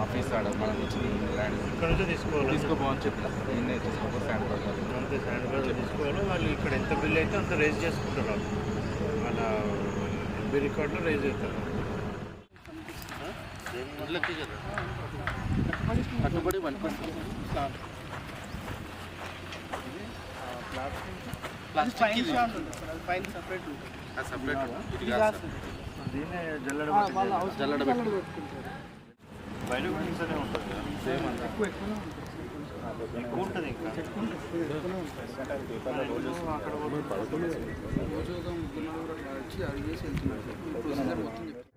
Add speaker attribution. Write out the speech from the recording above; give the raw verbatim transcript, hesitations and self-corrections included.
Speaker 1: Office ఆడ మనం land
Speaker 2: ఇక్కడ నుంచి తీసుకోవాలి,
Speaker 1: తీసుకోపోవని చెప్పిన నేనే తీసుకోపో శాండ్ పడతారు
Speaker 2: అంతే. శాండ్ బాగా తీసుకోవాలి. వాళ్ళు ఇక్కడ ఎంత బిల్ అయితే అంత రేజ్ చేసుకుంటారు. వాళ్ళు వాళ్ళ ఎల్బీ రికార్డులో రేజ్ అవుతారు.
Speaker 1: కట్టుబడి
Speaker 2: దీన్నే జల్లడ
Speaker 1: జల్లడ
Speaker 2: బయట కూడా ఇంట్లోనే ఉంటుంది కదా,
Speaker 1: సేమ్ అంతా
Speaker 2: ఎక్కువ ఎక్కువ ఉంటుంది. ఇంకా
Speaker 3: అక్కడ రోజు వచ్చి అడిగేసి వెళ్తున్నారు.